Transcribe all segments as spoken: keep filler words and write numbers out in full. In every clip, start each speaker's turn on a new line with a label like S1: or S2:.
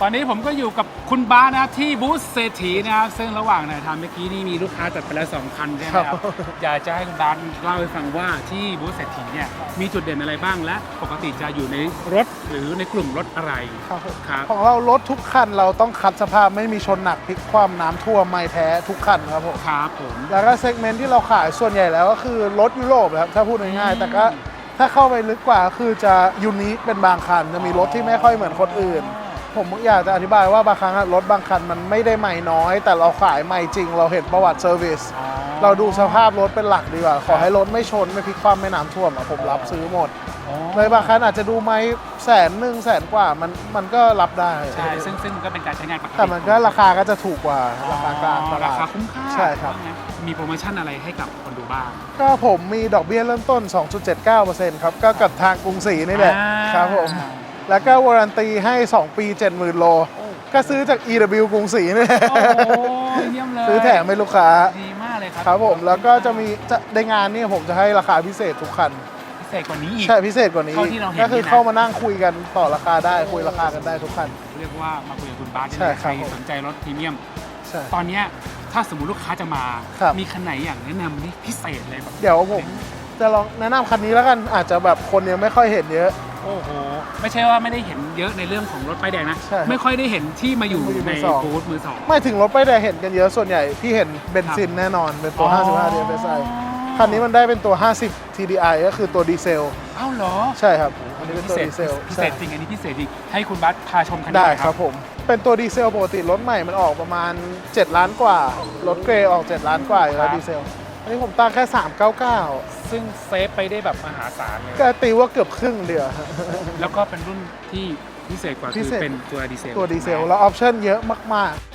S1: อนนี้ผมก็อยู่กับคุณบ้านะครับที่บูธเศรษฐีนะครับซึ่งระหว่างถ่ายทำเมื่อกี้นี่มีลูกค้าจัดไปแล้วสองคันใช่ไหมครับอยากจะให้คุณบ้าเล่าให้ฟังว่าที่บูธเศรษฐีเนี่ยมีจุดเด่นอะไรบ้างและปกติจะอยู่ในรถหรือในกลุ่มรถอะไร
S2: ครับ
S1: ครับ
S2: ของเรารถทุกคันเราต้องคัดสภาพไม่มีชนหนักพลิกคว่ำน้ำท่วมไม่แท้ทุกคันครับผม
S1: ครับผม
S2: แล้วก็เซกเมนต์ที่เราขายส่วนใหญ่แล้วก็คือรถยุโรปครับถ้าพูดง่ายๆแต่ก็ถ้าเข้าไปลึกกว่าคือจะยูนิคเป็นบางคันจะมีรถที่ไม่ค่อยเหมือนคนอื่นผมอยากจะอธิบายว่าบางครั้งรถบางคันมันไม่ได้ใหม่น้อยแต่เราขายใหม่จริงเราเห็นประวัติเซอร์วิสเราดูสภาพรถเป็นหลักดีกว่าขอให้รถไม่ชนไม่พลิกคว่ำไม่น้ำท่วมอะผมรับซื้อหมดเลยบางคันอาจจะดูไหมแสนหนึ่งแสนกว่ามันมันก็รับได้
S1: ใช่ซึ่งซึ่งก็เป็นการใช้งานปกติ
S2: แต่มันก็ราคาก็จะถูกกว่าราคากลางตลาด
S1: ราคาคุ้มค่า
S2: ใช่ครับ
S1: มีโปรโมชั่นอะไรให้กับคนดูบ้าง
S2: ก็ผมมีดอกเบี้ยเริ่มต้น สองจุดเจ็ดเก้าเปอร์เซ็นต์ ครับก็กับทางกรุงศรีนี่แหละครับผมแล้วก็วารันตีให้สองปี เจ็ดหมื่น โลก็ซื้อจาก อี ดับเบิลยู กรุงศรีนี่แหละ
S1: โอ้เยี่ยมเลย
S2: ซื้อแถมให้ลูกค้า
S1: ดีมากเลยครับ
S2: ครับผมแล้วก็จะมีจะในงานนี่ผมจะให้ราคาพิเศษทุกคัน
S1: พิเศษกว่านี้อีก
S2: ใช่พิเศษกว่านี้ก็คือเข้ามานั่งคุยกันต่อราคาได้คุยราคากันได้ทุกคัน
S1: เรียกว่ามาคุยกับคุณบาสใครสนใจรถพรีเมียมตอนนี้ถ้าสมมุติลูกค้าจะมามีคันไหนอย่างแนะนำนี่พิเศษเลยแบบ
S2: เดี๋ยวผมจะลองแนะนำคันนี้แล้วกันอาจจะแบบคนยังไม่ค่อยเห็นเยอะ
S1: โอ้โหไม่ใช่ว่าไม่ได้เห็นเยอะในเรื่องของรถป้ายแดงนะไม่ค่อยได้เห็นที่มาอยู่ในบูธมือสอง
S2: ไม่ถึงรถป้ายแดงเห็นกันเยอะส่วนใหญ่พี่เห็นเบนซินแน่นอนเป็นตัวห้าสิบห้า ดี เอฟ เอส ไอ คันนี้มันได้เป็นตัวห้าสิบ ที ดี ไอ ก็คือตัวดีเซล
S1: อ้าวเหรอ
S2: ใช่ครับอันนี้เป็นตัวดีเซล
S1: พิเศษจริงอันนี้พิเศษจริงให้คุณบัสพาชมคันนี้
S2: ได้ครับผมเป็นตัวดีเซลปกติรถใหม่มันออกประมาณเจ็ดล้านกว่ารถเกรย์ออกเจ็ดล้านกว่าแล้วดีเซลอันนี้ผมตั้งแค่สามร้อยเก้าสิบเก้า
S1: ซึ่งเซฟไปได้แบบมหาศาลเลย
S2: ก็ตีว่าเกือบครึ่งเดียว
S1: แล้วก็เป็นรุ่นที่พิเศษกว่าคือเป็นตัวดีเซล
S2: ตัวดีเซลแล้วออปชั่นเยอะมากๆ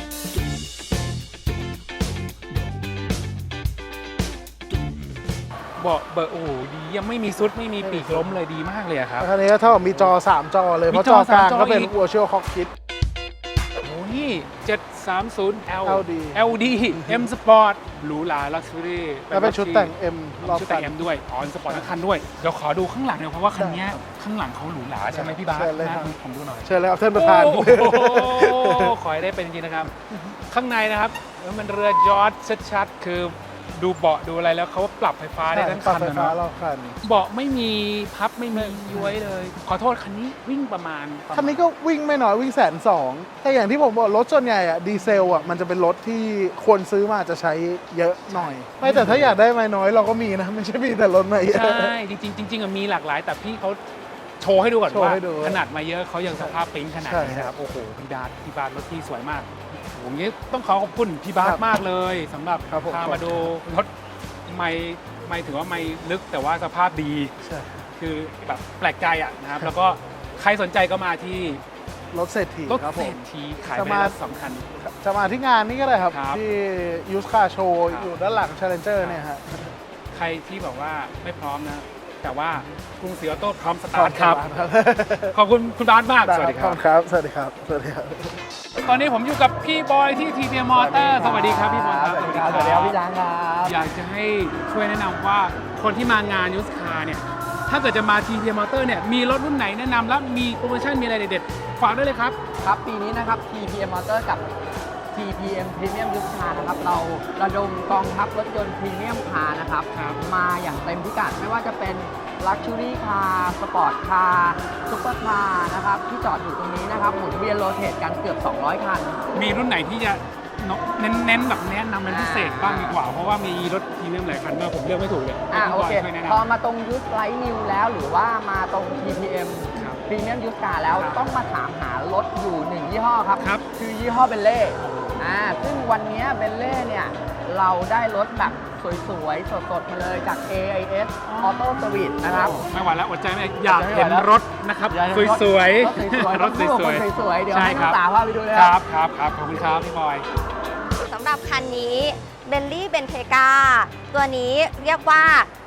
S1: เบาะเบอร์โอ้ดียังไม่มีซุดไม่มีปีกล้มเลยดีมากเลยครับ
S2: คันนี้ก็เท่ากับมีจอสามจอเลยเพราะจอกลางก็เป็น Virtual Cockpit
S1: โอ้นี่เจ็ดสามศูนย์ L
S2: แอล ดี
S1: แอล ดี M Sport หรูหรา Luxury
S2: แล้วเป็นชุดแต่ง M รอบ
S1: ชุดแต่ง M ด้วยอ๋อ สปอร์ตทั้งคันด้วยเดี๋ยวขอดูข้างหลังหน่อยเพราะว่าคันนี้ข้างหลังเขาหรูหราใช่ไหมพี่บาสนะผมดูหน่อย
S2: เชิญเลยครับท่านประธาน
S1: ขอให้ได้เป็นจริงนะครับข้างในนะครับมันเรือยอชต์ชัดๆคือดูเบาะดูอะไรแล้วเขาปรับไฟฟ้าได้ทั้งคันนะเนาะเบาะไม่มีพับไม่มีย้วยเลยขอโทษคันนี้วิ่งประมาณ
S2: คันนี้ก็วิ่งไม่น้อยวิ่งแสนสองแต่อย่างที่ผมบอกรถส่วนใหญ่อะดีเซลอะมันจะเป็นรถที่คนซื้อมาจะใช้เยอะหน่อยไม่แต่ถ้าอยากได้ไม่น้อยเราก็มีนะไม่ใช่มีแต่รถใหม่
S1: ใช่จริงๆจริงๆมีหลากหลายแต่พี่เขาโชว์ให้ดูก่อนว่าขนาดมาเยอะเขายังสภาพปิ๊งขนาดนี้นะครับโอ้โหพี่บาสพี่บาสรถที่สวยมากผมนี้ต้องขอขอบคุณพี่บาสมากเลยสำหรับพามาดูรถไม่ไม่ถือว่าไม่ลึกแต่ว่าสภาพดีคือแบบแปลกใจอ่ะนะครับแล้วก็ใครสนใจก็มาที่
S2: รถเศรษฐี
S1: รถเศรษฐีขายไปแล้วสองคัน
S2: จะมาที่งานนี้ก็ได้ครับที่ยูสคาโชว์อยู่ด้านหลัง Challenger เนี่ยฮะ
S1: ใครที่บอกว่าไม่พร้อมนะแต่ว่ากรุงศรีออโต้พร้อมสตาร์ทครับขอบคุณคุณบาสมาก
S2: สวัสดีครับสวัสดีครับสวัสดีครับ
S1: ตอนนี้ผมอยู่กับพี่บอยที่ ที พี เอ็ม Motor สวัสดีครับพี่บอยครับ
S3: สวัสดีครับสวัสดีครับพี่ช้างครับ
S1: อยากจะให้ช่วยแนะนำว่าคนที่มางานยูสคาร์เนี่ยถ้าเกิดจะมา ที พี เอ็ม Motor เนี่ยมีรถรุ่นไหนแนะนำแล้วมีโปรโมชั่นมีอะไรเด็ดๆฝากด้วยเลยครับ
S3: ครับปีนี้นะครับ ที พี เอ็ม Motor กับ ที พี เอ็ม Premium Used Car นะครับเราระดมกองทัพรถยนต์พรีเมียมคาร์นะครับมาอย่างเต็มพิกัดไม่ว่าจะเป็น Luxury Car Sport Car Super Car นะครับที่จอดอยู่ตรงนี้นะครับหมุนเวียนโรเตทกันเกือบสองร้อยคัน
S1: มีรุ่นไหนที่จะเน้นๆแบบแนะนำเป็นพิเศษบ้างดีกว่าเพราะว่ามีรถพรีเมียมหลายคันมากผมเลือกไม่ถูกเลย
S3: อ่าโอเคพอมาตรง Used Light New แล้วหรือว่ามาตรง ที พี เอ็ม Premium Used Car แล้วต้องมาถามหารถอยู่หนึ่งยี่ห้อครับคือยี่ห้อเบลเล่อ่าซึ่งวันนี้เบลเล่เนี่ยเราได้รถแบบสวยๆสดๆมาเลยจาก เอ ไอ เอส Auto Service นะครับ
S1: ไม่ไหวแล้วอดใจไม่อยากเห็นรถนะครับสวยๆรถสวย
S3: ๆสวยๆเดี๋ยวให้น้องสาวพาไปดูเลย
S1: ครับครับครับขอบคุณครับพี่บอย
S4: สำหรับคันนี้เบนลี่เบนเทกาตัวนี้เรียกว่า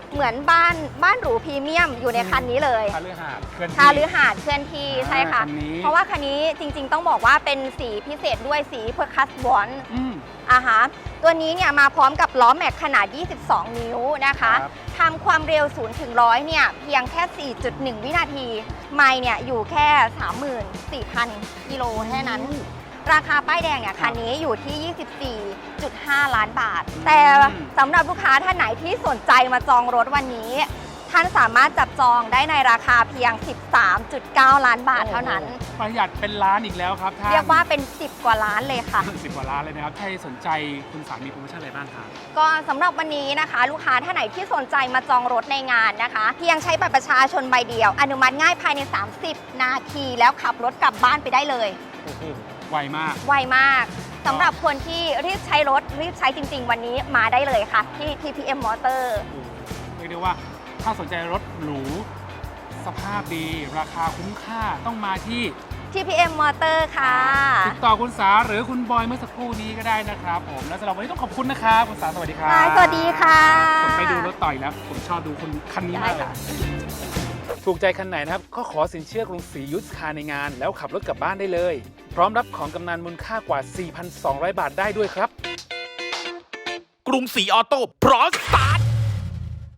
S4: เหมือนบ้านบ้านหรูพรีเมียมอยู่ในคันนี้เลย
S1: คาลือหาดเคลื่อนที่
S4: คาลือหาดเคลื่อนที่ใช่ค่ะ
S1: คันนี้
S4: เพราะว่าคันนี้จริงๆต้องบอกว่าเป็นสีพิเศษด้วยสีเพอร์คัสบอน
S1: อืม
S4: อ่าฮะตัวนี้เนี่ยมาพร้อมกับล้อแม็กขนาด ยี่สิบสอง นิ้วนะคะ
S1: ครับ
S4: ทำความเร็วศูนย์ถึงร้อยเนี่ยเพียงแค่ สี่จุดหนึ่ง วินาที ไมล์เนี่ยอยู่แค่ สามหมื่นสี่พัน กิโลแค่นั้น ราคาป้ายแดงเนี่ยคันนี้อยู่ที่ ยี่สิบสี่จุดห้า ล้านบาท แต่สำหรับลูกค้าท่านไหนที่สนใจมาจองรถวันนี้ ท่านสามารถจับจองได้ในราคาเพียง สิบสามจุดเก้า ล้านบาทเท่านั้น
S1: ประหยัดเป็นล้านอีกแล้วครับท่าน
S4: เรียกว่าเป็น สิบ กว่าล้านเลยค่ะ
S1: สิบกว่าล้านเลยนะครับใครสนใจคุณสามีโปรโมชั่นอะไรบ้างครับ
S4: ก็สำหรับวันนี้นะคะ ลูกค้าท่านไหนที่สนใจมาจองรถในงานนะคะ เพียงใช้บัตรประชาชนใบเดียว อนุมัติง่ายภายใน สามสิบ นาทีแล้วขับรถกลับบ้านไปได้เลย
S1: โอ้โหไวมาก
S4: ไวมากสำหรับคนที่รีบใช้รถรีบใช้จริง ๆ วันนี้มาได้เลยค่ะ ที่ ที พี เอ็ม Motor
S1: โอ้โหเรียกได้ว่าถ้าสนใจรถหรูสภาพดี ราคาคุ้มค่าต้องมาที่
S4: ที พี เอ็ม Motor ค่ะ
S1: ติดต่อคุณสาหรือคุณบอยเมื่อสักครู่นี้ก็ได้นะครับผมและสำหรับวันนี้ต้องขอบคุณนะครับคุณสาสวัสดีครับ
S4: ค่ะสวัสดีค่ะ
S1: ผมไปดูรถต่อยแล้ว ผมชอบดูคุณคันนี้มาก
S4: ได้
S1: เลย
S4: ค่ะ
S1: ถูกใจคันไหนนะครับ ก็ขอสินเชื่อกรุงศรียุทธคาในงาน แล้วขับรถกลับบ้านได้เลย พร้อมรับของกำนันมูลค่ากว่า สี่พันสองร้อย บาทได้ด้วยครับ
S5: กรุงศรีออโต้พร้อมสตาร์ท